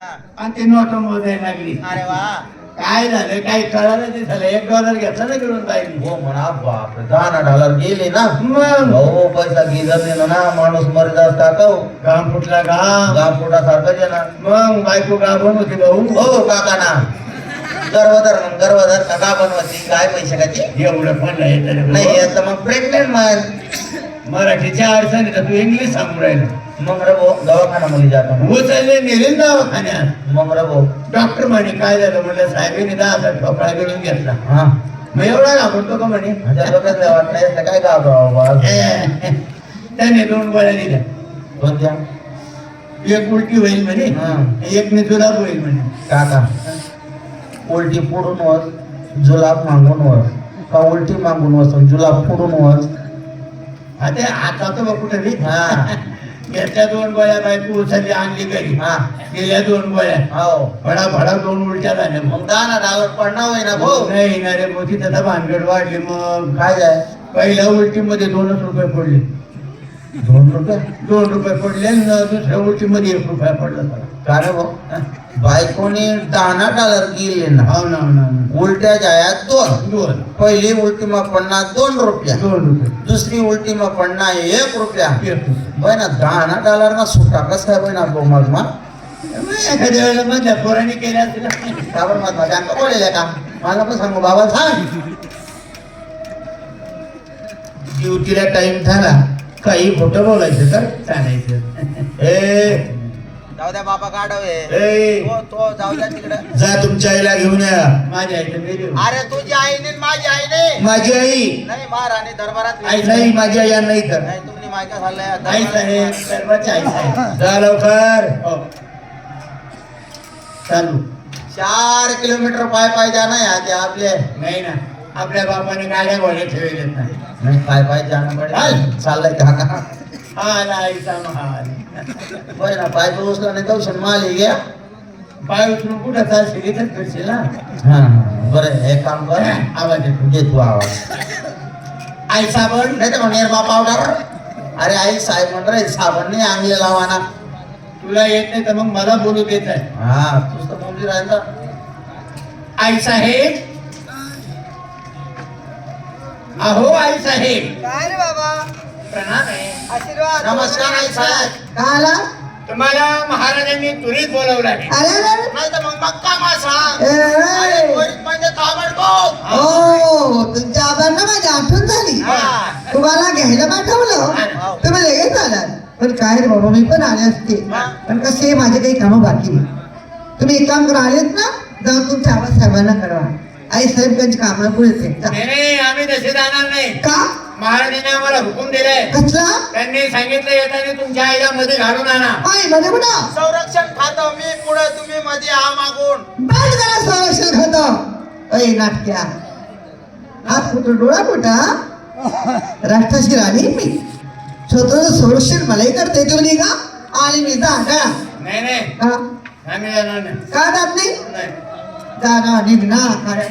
आणि ते नोट मोजायला लागली. अरे वा, काय झालं काही कळालं ते झालं. $1 घेतला ना घेऊन बाईनी. हो म्हणा बापरे, $10 गेले ना. मग हो पैसा गिजत ना माणूस मरत असता का हो. घाम फुटला घाम. गाव पोटासारखं जे ना. मग बायको गाभण होती भाऊ. हो काका ना, गर्भधर का बनवायची काय पैसे काची एवढं पण नाही नाही याचं मग प्रेग्नेंट मग मराठीच्या अडचणी तर तू इंग्लिश सांगून राहिलं. मग रबो दवाखाना मध्ये जातो. उचलले नेले दवाखान्यात. मग रबो डॉक्टर म्हणे काय झालं म्हणलं साहेबांनी 10,000 ठोकळा घेऊन घेतला. हा मग एवढा घाबरतो का म्हणे. वाटलं काय गाव त्याने 2 गोळ्या दिल्या. कोणत्या? एक उलटी होईल म्हणे, एक ने जुलाब होईल म्हणे. काका उलटी पुढून वस जुलाब मागून वस का उलटी मागून वस जुलाब पुढून वस. आता आता तर बघ कुठे हा घेतल्या 2 गोळ्या बायको उचलली आणली घरी. हा गेल्या 2 गोळ्या हो भडा भडा 2 उलट्या झाल्या. मग मग $10 पडणार होय ना भाऊ. नाही ना रे मोठी त्याचा भानगड वाढली. मग काय जाय पहिल्या उलटीमध्ये 2च रुपये पडले. 2 रुपये 2 रुपये पडले आणि दुसऱ्या उलटीमध्ये 1 रुपया पडला त्याला. का रे भाऊ बायकोनी $10 गेले ना. हो ना हो ना हो ना. उलट्या जायात 2. 2 पहिली उलटी मग पडणार 2 रुपया. 2 रुपये दुसरी उलटी मग पडणार 1 रुपया. 1 रुपये. बाय ना $10 ना सुटा कस काय ना भाऊ मग मग मग एखाद्या वेळेला माझ्या पोराने केल्या असतील. का बरं मग माझ्या अंक बोलेले का मला पण सांगू बाबा सांग. ड्युटीला टाइम झाला काही खोटं बोलायचं तर चालायचं. ए जाऊ द्या बाबा गाडवे. ए तो जाऊ द्या तिकडे. जा तुमच्या आईला घेऊन या. माझ्या आईचं मेरी. अरे तुझी आई नाही माझी आई नाही. माझी आई नाही महाराणी दरबारात आई नाही माझी आई नाही तर नाही तुम्ही मायका झालंय आई साहेब सर्वांची आई साहेब. जा लवकर. हो चालू. 4 किलोमीटर पाय जाणं या ते आपले. नाही ना आपल्या बापाने गाड्या घोड्या ठेवलेत नाही. नाही पाय जाणं पडेल. चाललंय काका आला आईचा महाल. बरं ना पाय उचला नाही जाऊ शक माल घ्या. पाय उचलून कुठं चालशील इथंच करशील ना. हा बरं हे काम कर. आवाज येतो. घे तू आवाज. आई साबण नाही तर म्हणेर बा पावडर. अरे आई साहेब म्हण रे साबण नाही आणले लावाना. तुला येत नाही तर मग मला बोलू देत आहे. हा तूच तर बोलली राहिला. आई साहेब अहो आई साहेब. काय रे बाबा, प्रणाम आहे. आशीर्वाद. नमस्कार आई साहेब. काय आला? तुम्हाला महाराजांनी तुरीत बोलवलं आहे. अरे अरे, नाही तर मग मक्का मासा. ए, अरे ए. त्वरित म्हणजे ताबडतोब. हो तुमच्या आबांना माझी आठवण झाली. हा. तुम्हाला घ्यायला पाठवलं तुम्ही लगेच आलात. पण काय रे बाबा मी पण आले असते पण कसे माझे काही कामं बाकी नाही. तुम्ही एक काम करा आलेत ना जाऊन तुमच्या आबासाहेबांना कळवा. आई साहेब त्यांची कामाला पुढे येते. नाही आम्ही तसे जाणार नाही. का? महाराजांनी आम्हाला हुकूम दिलाय. कसला? त्यांनी सांगितलं येताना तुमच्या आईला मध्ये घालून आणा. आई मध्ये कुठं संरक्षण खातं मी पुढे तुम्ही मध्ये हा मागून. बंद करा संरक्षण खात. अय नाटक्या हात कुठं डोळा कुठं राष्ट्राशी राणी मी स्वतःच संरक्षण मलाही करते तुम्ही का आणि मी जागा नाही नाही का आम्ही जाणार नाही. का जात नाही नाही. जागा निघना खऱ्या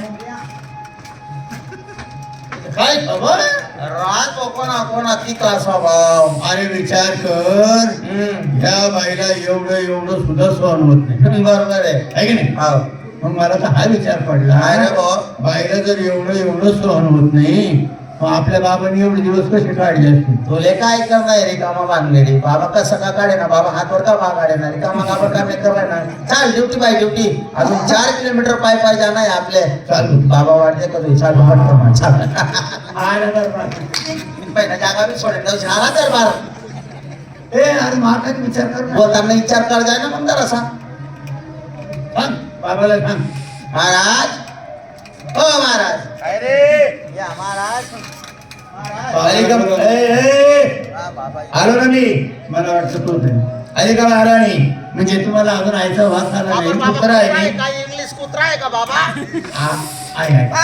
काय खबर. राज कोणा तिकला स्वभाव. अरे विचार कर ह्या बाईला एवढं सुद्धा सहन होत नाही. बरोबर आहे. आहे की नाही. हो. मग मला तर हा विचार पडला काय रे भाऊ? बाईला जर एवढं सहन होत नाही मग आपल्या बाबांनी एवढे दिवस कसे काढले असतील. तुले काय करणार रे कामा बांधलेली बाबा कसं का काढे ना बाबा हातवर का बा काढे ना कामा कामा काम करणार ना. चाल ड्युटी बाय ड्युटी अजून 4 किलोमीटर पाय जाणं आहे आपले. चालू. बाबा वाटते का तुझी चाल पटकन चाल. आला दरबार. पहिला जागा मी सोडेल जाऊ झाला तर बारा. ए अरे महाराज विचार कर ना. बोलताना विचार कर जाय ना मग जरासा. सांग बाबाला सांग. महाराज हो महाराज. अरे या महाराज. आले का ए, ए, हा, बाबा आलो ना मी. मला वाटतं तू आले का महाराणी. म्हणजे तुम्हाला अजून आईचा वास आला नाही. बाबा कुत्रा आहे काय इंग्लिश कुत्रा आहे का बाबा. आहे